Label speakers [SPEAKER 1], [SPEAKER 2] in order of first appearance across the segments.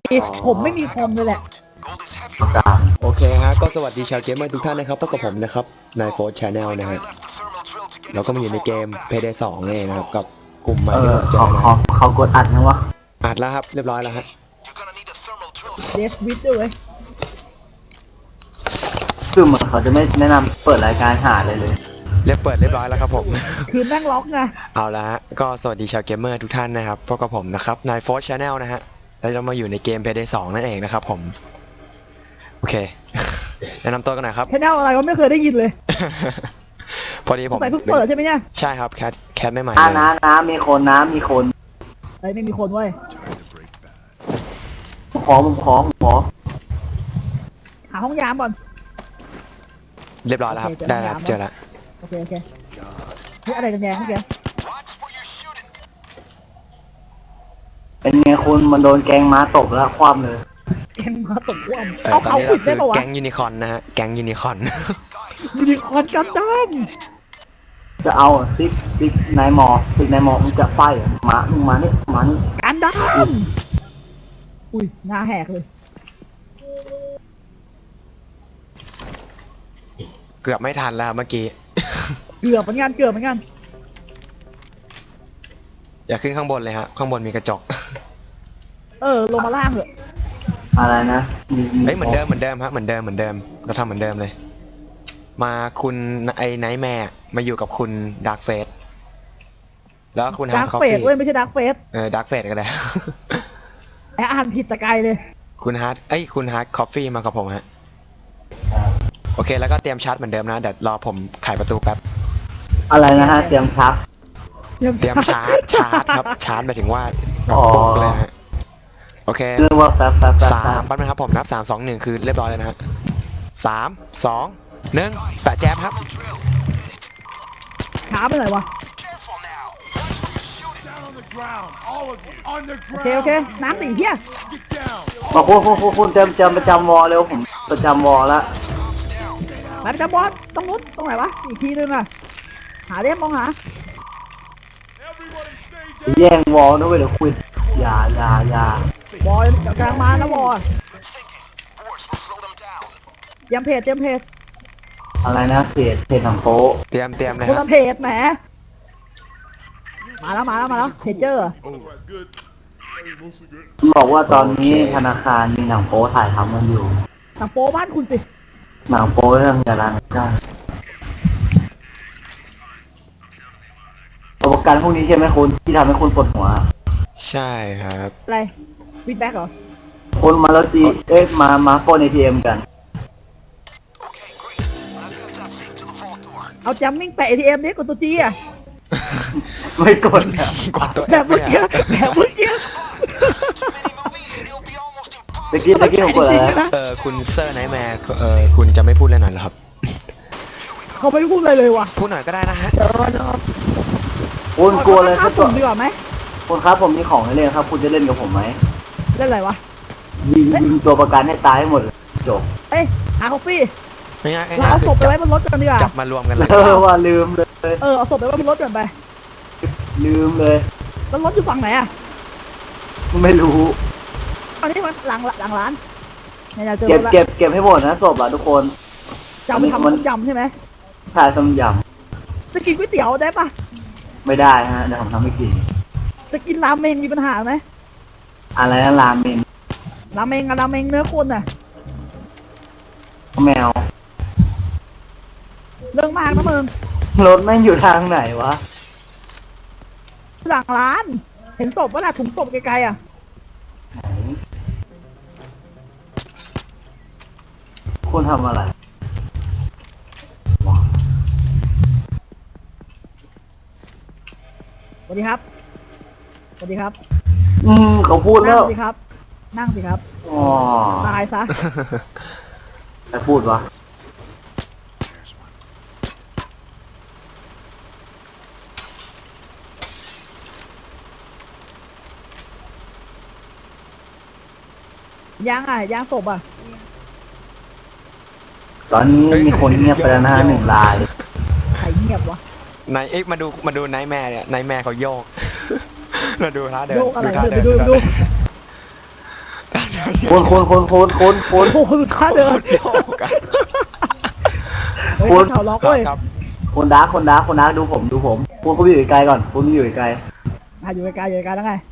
[SPEAKER 1] ผมไม่มีคอมเลยแหละ
[SPEAKER 2] โอเคฮะก็สวัสดีชาวเกมเมอร์ทุกท่านนะครับพบกับผมนะครับนายโฟร์ชาแนลนะฮะเราก็มาอยู่ในเกม Payday 2เองนะครับกับกลุ่มใหม่ที่ผมเจอนะ
[SPEAKER 3] เขากดอัดนะวะ
[SPEAKER 2] อัดแล้วครับเรียบร้อยแล้วฮะ
[SPEAKER 1] เดสวิทด้วยเว้ย
[SPEAKER 3] คือเหมือนเขาจะไม่แนะนำเปิดรายการหาเลย
[SPEAKER 2] เรียบร้อยแล้วครับผม
[SPEAKER 1] คือแม่งล็อกไง
[SPEAKER 2] เอาละฮะก็สวัสดีชาวเกมเมอร์ทุกท่านนะครับพบกับผมนะครับนายโฟร์ชาแนลนะฮะแล้วเรามาอยู่ในเกม Payday 2นั่นเองนะครับผมโอเค แนะนำตัวกันหน่อยครับ
[SPEAKER 1] แค่แนวอะไรก็ไม่เคยได้ยินเลย
[SPEAKER 2] พอดีผม
[SPEAKER 1] ใส่เพิ่งเปิดใช่ไหมเนี่ย
[SPEAKER 2] ใช่ครับแคทไม่ใหม่
[SPEAKER 3] อ่า
[SPEAKER 2] เลย
[SPEAKER 3] น้ำมีคน
[SPEAKER 1] ไอ้ไม่มีคนเว้ย
[SPEAKER 3] ผมขอ
[SPEAKER 1] หาห้องยามก่อน
[SPEAKER 2] เรียบร้อยแล้วครับ
[SPEAKER 1] โอเค
[SPEAKER 2] ได้แล้วครับเจอแล้ว
[SPEAKER 1] โอเคเฮ้ยอะไรกันแยงเมื่อกี้
[SPEAKER 3] เป็นไงคุณมันโดนแกงม้าตบแล้วคว่ำเลย
[SPEAKER 1] แกงมาตกว่วม
[SPEAKER 2] ตอ
[SPEAKER 1] เอา
[SPEAKER 2] นนี้
[SPEAKER 1] ปิ
[SPEAKER 2] เรา
[SPEAKER 1] ด
[SPEAKER 2] คื
[SPEAKER 1] ได้
[SPEAKER 2] อ
[SPEAKER 1] ปะวะ
[SPEAKER 2] แก๊งยูนิคอร์นนะฮะแก๊งยูนิคอร์น
[SPEAKER 1] ยูนิคอร์นกันดั้ม
[SPEAKER 3] จะเอาซิกนายหมอมึงจะไฟเหรอมึงมานี่
[SPEAKER 1] กันดั้มอุ้ยหน้าแหกเลย
[SPEAKER 2] เกือบไม่ทันแล้วเมื่อกี้
[SPEAKER 1] เกือบเหมือนกัน
[SPEAKER 2] อย่าขึ้นข้างบนเลยฮะข้างบนมีกระจก
[SPEAKER 1] ลงมาล่างเถอะ
[SPEAKER 3] อะไรนะ
[SPEAKER 2] เฮ้ยเหมือนเดิมฮะเหมือนเดิมเราทำเหมือนเดิมเลย มาคุณไอ้ไนท์แมร์มาอยู่กับคุณดาร์กเฟสแล้วคุณฮา
[SPEAKER 1] ดา
[SPEAKER 2] ร์
[SPEAKER 1] ร์
[SPEAKER 2] ด
[SPEAKER 1] ก
[SPEAKER 2] คอฟ
[SPEAKER 1] เฟส
[SPEAKER 2] ฟี่
[SPEAKER 1] เว้ยไม่ใช่ดาร์กเฟส
[SPEAKER 2] ดาร์กเฟสก็ได้
[SPEAKER 1] ไอ้อ่านผิดตะไกลเลย
[SPEAKER 2] คุณฮาร์ดคอฟฟี่มากับผมฮะโอเคแล้วก็เตรียมชาร์จเหมือนเดิมนะเดี๋ยวรอผมไขประตูแป๊บ
[SPEAKER 3] อะไรนะฮะเตรียมชัก
[SPEAKER 2] เตรียมชาร์จครับชาร์จหมายถึงว่าแบบ
[SPEAKER 3] อ๋อ
[SPEAKER 2] ปุ๊บเลยฮะโอเค
[SPEAKER 3] เรื่องว่าแป๊บ
[SPEAKER 2] สามปั๊บนะครับผมนับ3 2 1คือเรียบร้อยเลยนะฮะ3 2 1แปะแจมครับ
[SPEAKER 1] ขาไปไหนวะ โอเคน้ำหนีเฮีย
[SPEAKER 3] บอกคุณเตรียมประจำวอเร็วผมประจำวอแล้ว
[SPEAKER 1] ไปประจำบอสตรงนู้นตรงไหนวะอีกทีนึงอะหาเรียมมองหา
[SPEAKER 3] แย่งวอลด้วยเดี๋ยวคุยอย่า
[SPEAKER 1] บอยกำลังมานะบอยเตรียมเพจ
[SPEAKER 3] อะไรนะเพจหนังโป๊ะ
[SPEAKER 2] เตรียมเลย
[SPEAKER 1] คน
[SPEAKER 2] ฮะ
[SPEAKER 1] ละเพจแหมมาแล้วเพจเจอร์
[SPEAKER 3] บอกว่าตอนนี้ธนาคารมีหนังโป๊ถ่ายทำกันอยู่
[SPEAKER 1] หนังโป๊บ้านคุณสิ
[SPEAKER 3] หนังโป๊เรื่องยาลาได้ประกันพวกนี้ใช่ไหมคุณที่ทำให้คุณปวดหัว
[SPEAKER 2] ใช่ครับ
[SPEAKER 1] อะไรฟีดแบ็กเหรอ
[SPEAKER 3] คุณมาแล้วจีมาโฟนATM กัน
[SPEAKER 1] เอาจัมมิ่งแปะ ATM ดิกดตัวจีอะ
[SPEAKER 3] ไม่กดอะ
[SPEAKER 2] กดตัว
[SPEAKER 1] แบบเมื่อกี้
[SPEAKER 3] ตะกี้ผมกดอะไร
[SPEAKER 2] คุณเซอร์ไนท์แมร์คุณจะไม่พูดเลยหน่อยเหรอครับ
[SPEAKER 1] เขาไม่พูดอะไรเลยว่ะ
[SPEAKER 2] พูดหน่อยก็ได้นะฮะ
[SPEAKER 3] คุณกลัวเลยครับ
[SPEAKER 1] ผมดีกว่าไหม
[SPEAKER 3] คุณครับผมมีของให้เล่นครับ คุณจะเล่นกับผมไหม
[SPEAKER 1] เล่นอะไรวะ
[SPEAKER 3] ยิงตัวประกันให้ตายให้หมดเลยจบ
[SPEAKER 1] เอ้ยหาคอฟฟี่
[SPEAKER 2] ง่ายๆ
[SPEAKER 1] เราเอาศพไปไว้บนรถกันดีกว่า
[SPEAKER 2] จับมารวมกันเลย
[SPEAKER 3] ว่าลืมเลย
[SPEAKER 1] เอาศพไปไว้บนรถกันไป
[SPEAKER 3] ลืมเลย
[SPEAKER 1] แล้วรถอยู่ฝั่งไหนอะ
[SPEAKER 3] ไม่รู้
[SPEAKER 1] ตอนนี้มันหลังร้านเนี่ยเจอ
[SPEAKER 3] เก็บ
[SPEAKER 1] แล้ว
[SPEAKER 3] เก็บให้หมดนะศพอ่ะทุกคน
[SPEAKER 1] จำทำต้มยำใช่ไหม
[SPEAKER 3] ชายต้มย
[SPEAKER 1] จะกินก๋วยเตี๋ยวได้ปะ
[SPEAKER 3] ำไม่ได้ฮะเดี๋ยวผมทำไม่กิน
[SPEAKER 1] จะกินราเมงมีปัญหาไหม
[SPEAKER 3] อะไรนะราเมน
[SPEAKER 1] ราเมงกับราเมงเนื้อคนน่ะ
[SPEAKER 3] แมว
[SPEAKER 1] เรื่องมากนะมึง
[SPEAKER 3] รถแม่งอยู่ทางไหนวะ
[SPEAKER 1] หลังร้าน เห็นศพว่าน่ะถุงศพไกลๆอ่ะ
[SPEAKER 3] ไหนคุณทำอะไรวะ
[SPEAKER 1] สวัสดีครับ
[SPEAKER 3] เขาพูดแล้
[SPEAKER 1] นั่
[SPEAKER 3] ว
[SPEAKER 1] งสิครับ นั่งสิครับ
[SPEAKER 3] อ๋อ
[SPEAKER 1] ตายซะ
[SPEAKER 3] ใครพูดวะ
[SPEAKER 1] ย่างศพอ่ะ
[SPEAKER 3] ตอนนี้มีคนเงียบไปแล้วนะ1 ราย
[SPEAKER 1] ใครเงียบวะ
[SPEAKER 2] นายมาดูไนท์แมร์เนี่ยไนท์แมร์เขาโยก มาดูท่าเดิน
[SPEAKER 1] โยกอะไร
[SPEAKER 2] ท่า
[SPEAKER 1] เดินไปดู
[SPEAKER 2] ท่ากัน
[SPEAKER 3] คน
[SPEAKER 1] โอ้โหสุดท้ายเลย
[SPEAKER 2] เดียวกัน
[SPEAKER 1] เฮ้ยเขาล็อก
[SPEAKER 2] ครั
[SPEAKER 1] เว้
[SPEAKER 2] บ
[SPEAKER 1] ย
[SPEAKER 2] ครับ
[SPEAKER 3] คนดาร์กดูผมคุณอยู่ไกลก่อนคุณอยู่ไกล
[SPEAKER 1] อยู่ไกลแล้วไง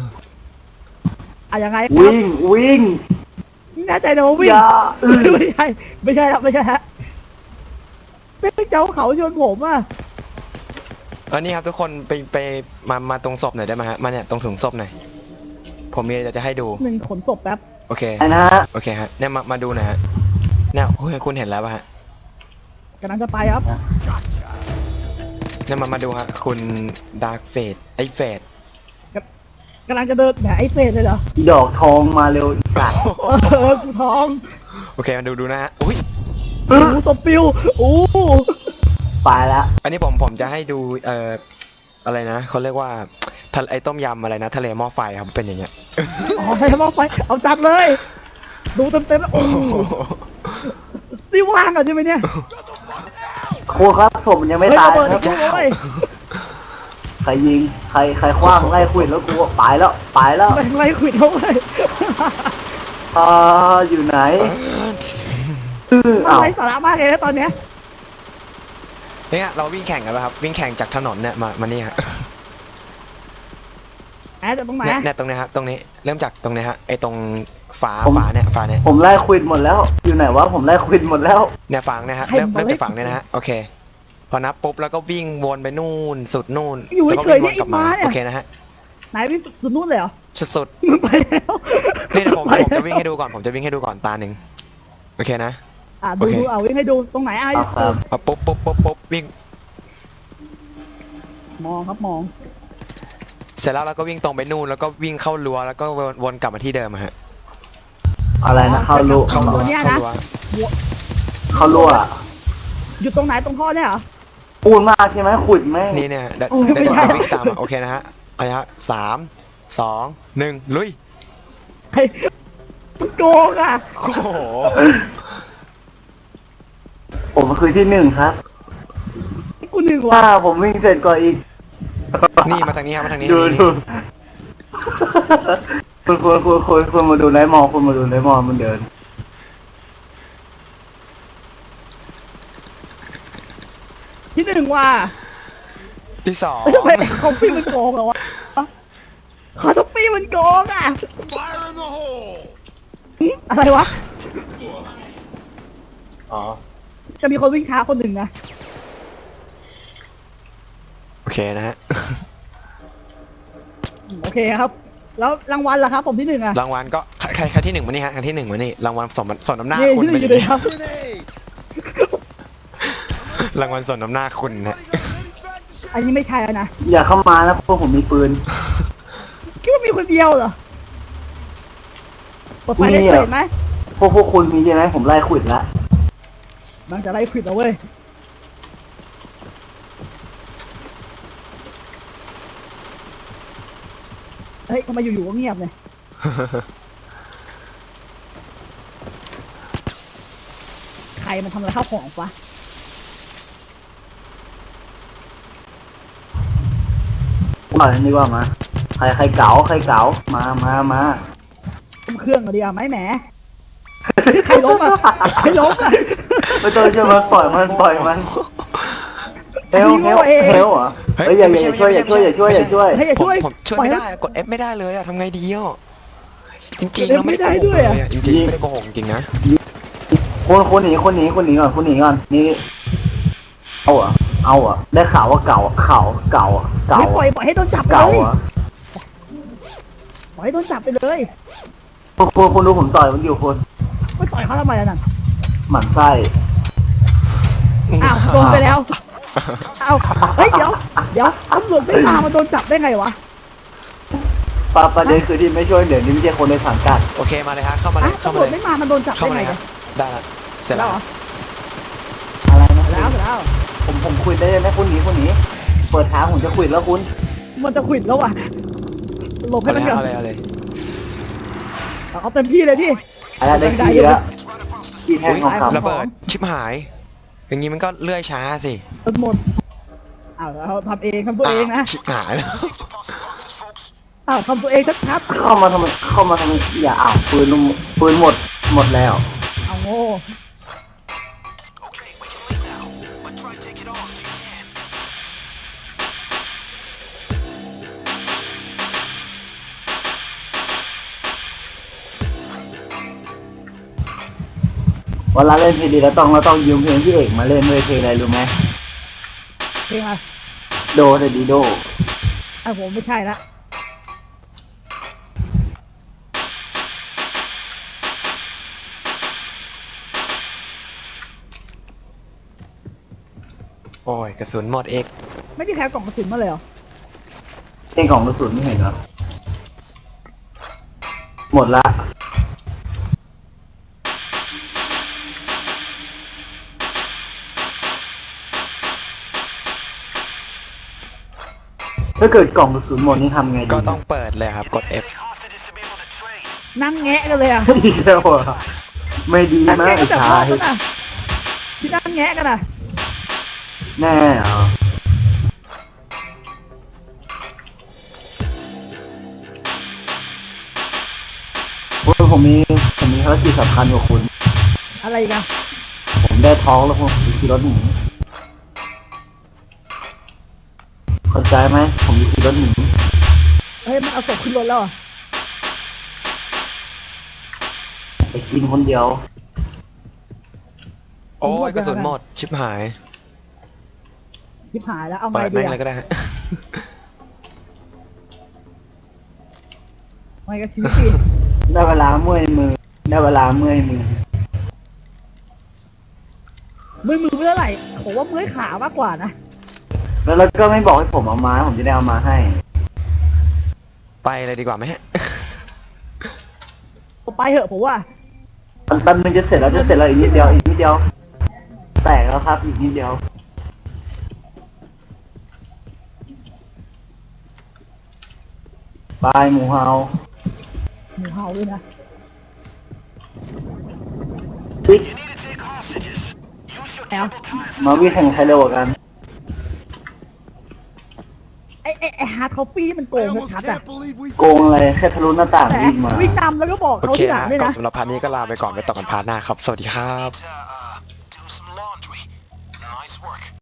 [SPEAKER 1] ยังไง
[SPEAKER 3] วิ่ง
[SPEAKER 1] แน่ใจนะว่าวิ่ง
[SPEAKER 3] อย่า
[SPEAKER 1] ไม่ใช่ฮะเป็นเจ้าเขาชนผมอ่ะ
[SPEAKER 2] อันนี้ครับทุกคนไปมาตรงศพหน่อยได้ไหมฮะมาเนี่ยตรงถุงศพหน่อยผมมีอะไรจะให้ดู
[SPEAKER 1] หนึ่งขนศพแป๊บ
[SPEAKER 2] โอเค
[SPEAKER 3] ไอ้นะ
[SPEAKER 2] โอเคฮะเนี่ยมาดูหน่อยฮะเนี่ยโอ้ยคุณเห็นแล้วป่ะฮะ
[SPEAKER 1] กำลังจะไปครับ
[SPEAKER 2] เนี่ยมาดูฮะคุณดาร์กเฟดไอเฟด
[SPEAKER 1] กำลังจะเดินแหมไอ้เฟสเลยเหรอ
[SPEAKER 3] อีดอกทองมาเร็วอีกาด
[SPEAKER 1] กูท้อง
[SPEAKER 2] โอเคมาดูนะฮะอุ้ย
[SPEAKER 1] ศพปิวโ
[SPEAKER 3] ไปแล้ว
[SPEAKER 2] อันนี้ผมจะให้ดูอะไรนะเขาเรียกว่าไอต้มยำอะไรนะทะเลหม้อไฟครับเป็นอย่างเงี้ย
[SPEAKER 1] อ๋อใครทำเอาไปเอาจัดเลย ดูเต็มแล้วโอ้โหนี่ว่างอ่ะใช่ไหมเนี่ย
[SPEAKER 3] โคครับศพมันยังไม่ตาย
[SPEAKER 1] เฮ้
[SPEAKER 3] ครับ
[SPEAKER 1] ระเบิดเลย
[SPEAKER 3] ใครยิงใครคว้างไล่คุยแล้วกูไปแล้ว
[SPEAKER 1] แม่งไล่ขวิดเขาไป
[SPEAKER 3] อยู่ไหน
[SPEAKER 1] มันไร้สาระมากเลยนะตอนเนี้ย
[SPEAKER 2] เนี่ยเราวิ่งแข่งกันป่ะครับวิ่งแข่งจากถนนเนี่ยมานี่ฮะ
[SPEAKER 1] แอดจะตรงไหน
[SPEAKER 2] เนี่ยตรงนี้ฮะตรงนี้เริ่มจากตรงนี้ฮะไอตรงฝาเนี่ย
[SPEAKER 3] ผมไล่คุยหมดแล้ว อยู่ไหนวะผมไล่คุยหมดแล้ว
[SPEAKER 2] เนี่ยฝังเนี่ยฮะเริ่มจากฝังเนี่ยนะฮะโอเคพอนับปุ๊บแล้วก็วิ่งวนไปนู่นสุดนู่น
[SPEAKER 1] อยู่
[SPEAKER 2] แล้วก็
[SPEAKER 1] เฉย
[SPEAKER 2] วิ่ง
[SPEAKER 1] ๆ
[SPEAKER 2] วน
[SPEAKER 1] เนี่ย
[SPEAKER 2] กลับมา
[SPEAKER 1] อีกม้าเนี่ย
[SPEAKER 2] โอเคนะฮะ
[SPEAKER 1] ไหนพี่สุดนู่นเลยเหรอ
[SPEAKER 2] สุด
[SPEAKER 1] มันไปแล้ว
[SPEAKER 2] ๆนี่เดี๋ยวผมจะวิ่งให้ดูก่อนผมจะวิ่งให้ดูก่อนตาหนึ่งโอเคนะ
[SPEAKER 1] ดูเอาวิ่งให้ดูตรงไหนไอ้
[SPEAKER 3] ครับ
[SPEAKER 2] พอปุ๊บวิ่ง
[SPEAKER 1] มองครับมอง
[SPEAKER 2] เสร็จแล้วเราก็วิ่งตรงไปนู่นแล้วก็วิ่งเข้ารั้วแล้วก็วนกลับมาที่เดิมอะฮะ
[SPEAKER 3] อะไรนะเข้ารั้ว
[SPEAKER 2] เข้ารั้ว
[SPEAKER 3] เข้ารั้ว
[SPEAKER 1] อยู่ตรงไหนตรงท่อเนี่ยเหรอ
[SPEAKER 3] ปูนมากใช่ไหมขุดไหม
[SPEAKER 2] นี่เนี่ยเดี๋ยว
[SPEAKER 1] โอ้ยไม่
[SPEAKER 2] เดี๋ยว
[SPEAKER 1] ใช่
[SPEAKER 2] วิ่งตามมาโอเคนะฮะเอาละฮะ3 2 1ลุย
[SPEAKER 1] ไอ้มันโกงอ่ะ
[SPEAKER 2] โอ้โห
[SPEAKER 3] ผมคือที่หนึ่งครับ
[SPEAKER 1] กูหนึ่ง
[SPEAKER 3] ว่า
[SPEAKER 1] ว่ะ
[SPEAKER 3] ผมวิ่งเสร็จก่อนอีก
[SPEAKER 2] นี่มาทางนี้ครับมาทางนี้
[SPEAKER 3] ดู
[SPEAKER 2] นี่
[SPEAKER 3] คุณมาดูไนท์มอลคุณมาดูไนท์มอลมันเดิน
[SPEAKER 1] ที่หนึ่งว่ะ
[SPEAKER 2] ที่สอง
[SPEAKER 1] ทำไมคอฟฟี่มันโกงเหรอวะคอฟฟี่มันโกงอ่ะอะไรวะ
[SPEAKER 3] อ๋อ
[SPEAKER 1] จะมีคนวิ่งช้าคนหนึ่งนะ
[SPEAKER 2] โอเคนะฮะ
[SPEAKER 1] โอเคครับ แล้วรางวัลล่ะครับผมที่หนึ่งอ่ะ
[SPEAKER 2] รางวัลก็ใครที่หนึ่งมานี่ฮะใครที่หนึ่งมานี่รางวัลสมน้ำหน้า
[SPEAKER 1] นี่
[SPEAKER 2] คุณ
[SPEAKER 1] ที่ห
[SPEAKER 2] เป็
[SPEAKER 1] นึ่
[SPEAKER 2] น
[SPEAKER 1] งอยู่เลยครับ
[SPEAKER 2] รางวัลสมน้ำหน้าคุณนะ
[SPEAKER 1] อันนี้ไม่ใช่แล้วนะ
[SPEAKER 3] อย่าเข้ามานะพวกผมมีปืน
[SPEAKER 1] คิดว่ามีคนเดียวเหรอเปิดไฟได้
[SPEAKER 3] มีเหรอ
[SPEAKER 1] เห็นไหม
[SPEAKER 3] พวกคุณมีใช่ไหมผมไล่ขุดละ
[SPEAKER 1] มันจะไล่ควิดเอาเว้ยเฮ้ยทำไมอยู่ๆก็เงียบเนี่ยใครมันทำอะไรข้าวของปะ
[SPEAKER 3] ว่านี่ว่ามาใครเก๋ามา
[SPEAKER 1] ต้มเครื่องก็ดีอ่ะไหมแหมใครล้มอ่ะใครล้มอ่ะ
[SPEAKER 3] ไม่ต้องช่วยมันปล่อยมันเฮลเหรอเฮ้ยอย่าช่วย
[SPEAKER 1] เฮ้ยอย่าช่วย
[SPEAKER 2] ผมช่วยไม่ได้กด F ไม่ได้เลยอะทำไงดีอ่ะจริงๆ
[SPEAKER 1] กด F
[SPEAKER 2] เราไม่ได้
[SPEAKER 1] ไม่ได้
[SPEAKER 2] โก
[SPEAKER 1] ด้
[SPEAKER 2] หก
[SPEAKER 1] วย
[SPEAKER 2] เล
[SPEAKER 1] อะ
[SPEAKER 2] ยอะจริงๆไม่ได้โกหกจริงนะ
[SPEAKER 3] คนหนีก่อนนี่เอาอ่ะได้ข่าวว่าเก่า
[SPEAKER 1] ไม่ปล่อยให้โดนจับไป
[SPEAKER 3] เก่า
[SPEAKER 1] เลย
[SPEAKER 3] อ่ะ
[SPEAKER 1] ปล่อยให้โดนจับไปเลย
[SPEAKER 3] คุณดูผมต่อยมันอยู่คน
[SPEAKER 1] ไม่ต่อยเขาทำไมล่ะนั่น
[SPEAKER 3] หมั่นไส้
[SPEAKER 1] อ้าวโดนไปแล้วอ้าวเฮ้ยเดี๋ยวตำรวจไม่มาโดนจับได้ไงวะ
[SPEAKER 3] ประเด็นคือที่ไม่ช่วยเดี๋ยวนี้ไม่ใช่คนในสังกัด
[SPEAKER 2] โอเคมาเลยฮะเข้ามาเลย
[SPEAKER 1] ตำรวจไม่มาโดนจับ
[SPEAKER 2] เข้า
[SPEAKER 1] ได้
[SPEAKER 2] มา
[SPEAKER 1] ไง
[SPEAKER 2] เลย
[SPEAKER 1] วะ
[SPEAKER 2] ฮะได้ละเสร็จ
[SPEAKER 1] แล้
[SPEAKER 2] แล้ว ว
[SPEAKER 1] เหรอ
[SPEAKER 3] อะไรนะ
[SPEAKER 1] แล้ว
[SPEAKER 3] ผมคุยได้ไหมคุณหนีเปิดทางผมจะคุยแล้วคุณ
[SPEAKER 1] มันจะขวิดแล้วอ่ะหลบให้
[SPEAKER 2] เอา
[SPEAKER 1] มัน
[SPEAKER 2] เลย
[SPEAKER 1] ก่อ
[SPEAKER 2] เอา
[SPEAKER 1] น
[SPEAKER 2] เลยเอาเลย
[SPEAKER 1] เอาเต็มที่เลยพี่
[SPEAKER 3] อะไรได้ขี้แล้วขี้แท่งทองคำ
[SPEAKER 2] ระเบิดชิบหาย อย่างนี้มันก็เลื่อยช้าสิ
[SPEAKER 1] จนหมดอ้าวเราทำเองทำตัวเองนะ
[SPEAKER 2] ชิบหายแล้ว
[SPEAKER 1] ทอ้าวทำตัวเองชัด
[SPEAKER 3] เข้ามาทำไมอย่าอ้าวปืนหมดแล้ว
[SPEAKER 1] ๆเอาโง่
[SPEAKER 3] เวลาเล่นเพลงดีเราต้องยืมเพลงพี่เอกมาเล่นด้วยเพลงอะไรรู้ไหม
[SPEAKER 1] เพลงอะไร
[SPEAKER 3] โดเดดีโด
[SPEAKER 1] อ่ะผมไม่ใช่ละ
[SPEAKER 2] โอ้ยกระสุนหมดเอก
[SPEAKER 1] ไม่ได้แคร์กล่องกระสุนมาเลยเหรอ
[SPEAKER 3] เพลงของกระสุนไม่เห็นเหรอหมดละถ้าเกิดกล่องกระสุนหมดนี่ทำไงดี
[SPEAKER 2] ก็ต้องเปิดเลยครับกด F
[SPEAKER 1] นั่งแงะกันเลยอ่ะ
[SPEAKER 3] ดีแล้วอ่ะไม่ดี
[SPEAKER 1] นั่ง
[SPEAKER 3] นะ
[SPEAKER 1] แงะ
[SPEAKER 3] ไอ้
[SPEAKER 1] กันแบบ
[SPEAKER 3] ชา
[SPEAKER 1] พ่อย กันอ่ะที่นั่งแงะกันอ่ะ
[SPEAKER 3] แน่เหรอโอ้ยผมมีภารกิจสำคัญกว่าคุณ
[SPEAKER 1] อะไรกัน
[SPEAKER 3] ผมได้ท้องแล้วผมจะขี่รถหนีเข้าใจไหมผมจะขี่รถหนี
[SPEAKER 1] เฮ้ยมันเอาศพขึ้นรถแล้วเหรอ
[SPEAKER 3] ไปกินคนเดียว
[SPEAKER 2] โอ้ยกระสุนหมดชิบหาย
[SPEAKER 1] ชิบหายแล้วเอาไง
[SPEAKER 2] เปิด
[SPEAKER 1] ดี
[SPEAKER 2] แม่ง
[SPEAKER 1] อ่ะ
[SPEAKER 2] เลยก็ได้ฮะ
[SPEAKER 1] ไงกับชีวิตดี
[SPEAKER 3] ได้เวลาเมื่อยมือ ได้เวลาเมื่อยมือ
[SPEAKER 1] มือเมื่อไหร่ผมว่าเมื่อยขามากกว่านะ
[SPEAKER 3] แล้วก็ไม่บอกให้ผมเอามาผมจะได้เอามาให้
[SPEAKER 2] ไปเลยดีกว่าไหมฮะ
[SPEAKER 1] ไปเถอะผมว่า
[SPEAKER 3] ตอนนึงจะเสร็จแล้วอีกนิดเดียว แตกแล้วครับอีกนิดเดียวบายหมูเฮา
[SPEAKER 1] หมูเห่าด้วยนะ
[SPEAKER 3] ปิ๊ก
[SPEAKER 1] แล้ว
[SPEAKER 3] มาวิ่งแข่งใครเร็วกว่ากัน
[SPEAKER 1] ไอ้ฮาร์ดคอฟฟี่มันโกงชัดๆอ่ะ
[SPEAKER 3] โกงอะไรแค่ทะลุหน้าต่าง
[SPEAKER 1] แต่
[SPEAKER 3] วิ่งมา
[SPEAKER 1] วิ่งนำแล้วก็บอก
[SPEAKER 2] โอ
[SPEAKER 1] เขา
[SPEAKER 2] เค
[SPEAKER 1] ที่หลัง
[SPEAKER 2] ฮะ
[SPEAKER 1] ด้วย
[SPEAKER 2] ก็
[SPEAKER 1] นะ
[SPEAKER 2] สำหรับพาร์ทนี้ก็ลาไปก่อนไปต่อกันพาร์ทหน้าครับ สวัสดีครับ